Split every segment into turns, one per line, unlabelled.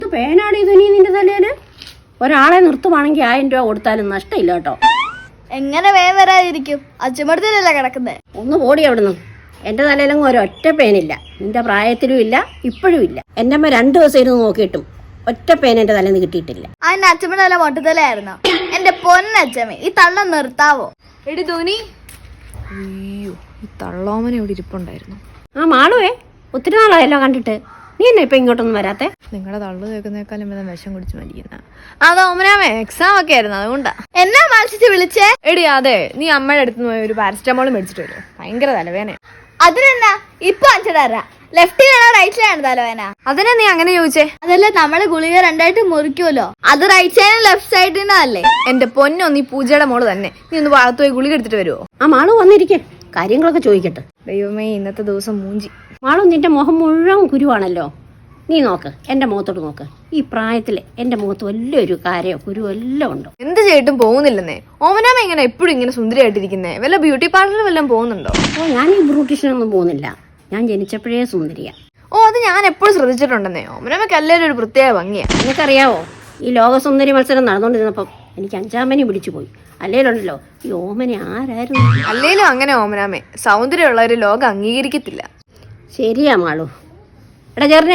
പേനാണ് ഇത് നീ നിന്റെ തലയില്? ഒരാളെ നിർത്തുവാണെങ്കിൽ 1000 രൂപ കൊടുത്താലും നഷ്ടമില്ല കേട്ടോ.
എങ്ങനെ വേഗം വരാതിരിക്കും? അച്ഛമ്മടത്തിലല്ലേ കിടക്കുന്നേ.
ഒന്ന് പോടി അവിടുന്ന്. എന്റെ തലയിലങ്ങ് ഒരൊറ്റ പേനില്ല. നിന്റെ പ്രായത്തിലും ഇല്ല, ഇപ്പോഴും ഇല്ല. എന്റെ അമ്മ 2 ദിവസം ഇരുന്ന് നോക്കിയിട്ടും ഒറ്റ പേന എന്റെ തലേന്ന് കിട്ടിയിട്ടില്ല.
അതിന്റെ അച്ഛമ്മയുടെ തല മൊട്ടത്തലായിരുന്നോ? എന്റെ പൊന്നച്ഛമ്മ, ഈ തള്ള നിർത്താവോ?
എടി ധോനി, അയ്യോ ഈ തള്ളോമന ഇവിടെ ഇരിപ്പുണ്ടായിരുന്നു.
ആ മാളുവേ, ഒത്തിരി നാളായല്ലോ കണ്ടിട്ട്. നീ എന്നാ ഇപ്പൊ ഇങ്ങോട്ടൊന്നും വരാത്തെ?
നിങ്ങളുടെ തള്ളു കേൾക്കുന്നേക്കാളും വിഷം കുടിച്ച് മരിക്കുന്ന. അത് ഓമനാമേ എക്സാം ഒക്കെ ആയിരുന്നു, അതുകൊണ്ടാ.
എന്നാ മത്സരിച്ച് വിളിച്ചേ?
എടി അതെ, നീ അമ്മയുടെ അടുത്ത് പോയി ഒരു പാരസ്റ്റമോൾ മേടിച്ചിട്ട് വരുമോ? ഭയങ്കര തലവേന.
അതിനെന്നാ ഇപ്പൊ അഞ്ചടാ? ലെഫ്റ്റിലാണോ റൈറ്റിലാണ് തലവേന?
അതിനെ നീ അങ്ങനെ ചോദിച്ചേ?
അതല്ല, നമ്മള് ഗുളിക 2ആയിട്ട് മുറിക്കുമല്ലോ, അത് റൈറ്റ് സൈഡിനും ലെഫ്റ്റ് സൈഡിനും അല്ലേ?
എന്റെ പൊന്നോ, നീ പൂജയുടെ മോള് തന്നെ. നീ ഒന്ന് ഭാഗത്ത് പോയി ഗുളിക എടുത്തിട്ട് വരുമോ?
ആ മാളു വന്നിരിക്കെ, കാര്യങ്ങളൊക്കെ ചോദിക്കട്ടെ.
ദൈവമേ, ഇന്നത്തെ ദിവസം മൂഞ്ചി.
മാളു, നിന്റെ മുഖം മുഴുവൻ കുരുവാണല്ലോ. നീ നോക്ക്, എന്റെ മുഖത്തോട്ട് നോക്ക്. ഈ പ്രായത്തില് എന്റെ മുഖത്ത് വലിയൊരു കാര്യമോ കുരു എല്ലാം ഉണ്ടോ?
എന്ത് ചെയ്തിട്ടും പോകുന്നില്ലെന്നേ. ഓമനാമ ഇങ്ങനെ എപ്പോഴും ഇങ്ങനെ സുന്ദരിയായിട്ടിരിക്കുന്നേ? വല്ല ബ്യൂട്ടി പാർലറിൽ വല്ലതും പോകുന്നുണ്ടോ?
ഓ, ഞാൻ ഈ ബ്യൂട്ടീഷ്യനൊന്നും പോകുന്നില്ല. ഞാൻ ജനിച്ചപ്പോഴേ സുന്ദരിയാ.
ഓ, അത് ഞാൻ എപ്പോഴും ശ്രദ്ധിച്ചിട്ടുണ്ടെന്നേ. ഓമനാമയ്ക്ക് എല്ലാവരും ഒരു പ്രത്യേക ഭംഗിയാ.
നിനക്കറിയാവോ, ഈ ലോകസുന്ദരി മത്സരം നടന്നുകൊണ്ടിരുന്നപ്പം എനിക്ക് 5ാം പനി പിടിച്ചു പോയി. അല്ലേലുണ്ടല്ലോ ഈ ഓമന ആരായിരുന്നു?
അല്ലേലും അങ്ങനെ ഓമനാമേ, സൗന്ദര്യമുള്ളവര് ലോകം അംഗീകരിക്കത്തില്ല.
ശരിയാ മാളു. എടാ ചേർന്നേ,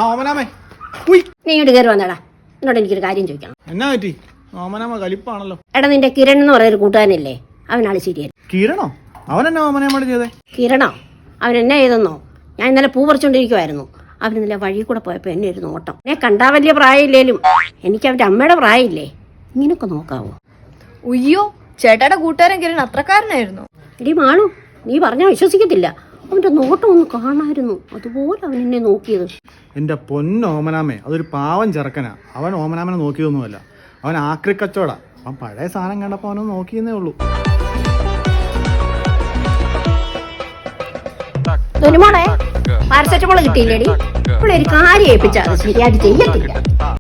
നീ ഇങ്ങോട്ട് കയറി വന്നടാ. എന്നോട് എനിക്കൊരു കാര്യം ചോദിക്കണം.
എന്നാ പറ്റി? ഓമനാമ കലിപ്പാണല്ലോ.
എടാ, നിന്റെ കിരൺ എന്ന് പറയുന്നൊരു കൂട്ടുകാരനില്ലേ, അവനാള് ശരിയല്ല.
കിരണോ? അവനെന്നാ ഓമനയോട് ചെയ്തേ?
കിരണോ? അവൻ എന്നാ ചെയ്തെന്നോ? ഞാൻ ഇന്നലെ പൂ പറിച്ചോണ്ടിരിക്കുവായിരുന്നു. അവൻ ഇന്നലെ വഴി കൂടെ പോയപ്പോ എന്നെ ഒരു നോട്ടം. എന്നെ കണ്ടാ വലിയ പ്രായമില്ലേലും എനിക്ക് അവന്റെ അമ്മയുടെ പ്രായമില്ലേ. ഇങ്ങനൊക്കെ നോക്കാവോ?
ഉയ്യോ, ചേട്ടായുടെ കൂട്ടുകാരൻ കിരൺ അത്രക്കാരനായിരുന്നു.
എടി മാളു, നീ പറഞ്ഞാൽ വിശ്വസിക്കത്തില്ല. അവന്റെ നോട്ടം ഒന്ന് കാണായിരുന്നു. അതുപോലെ അവൻ എന്നെ നോക്കിയത്.
എന്റെ പൊന്നോമനാമേ, അതൊരു പാവം ചെറുക്കനാ. അവൻ ഓമനാമനെ നോക്കിയൊന്നുമല്ല. അവൻ ആക്രിക്കച്ചോടാ. അവൻ പഴയ സാധനം കണ്ടപ്പോ അവനൊന്ന് നോക്കിയെന്നേ ഉള്ളൂ.
തൊലിമോളെ, പാരസെറ്റമോൾ കിട്ടിയില്ലേടി? ഇവിടെ ഒരു കാര്യം ഏൽപ്പിച്ചാൽ അത് ശരിയായിട്ട് ചെയ്യത്തില്ല.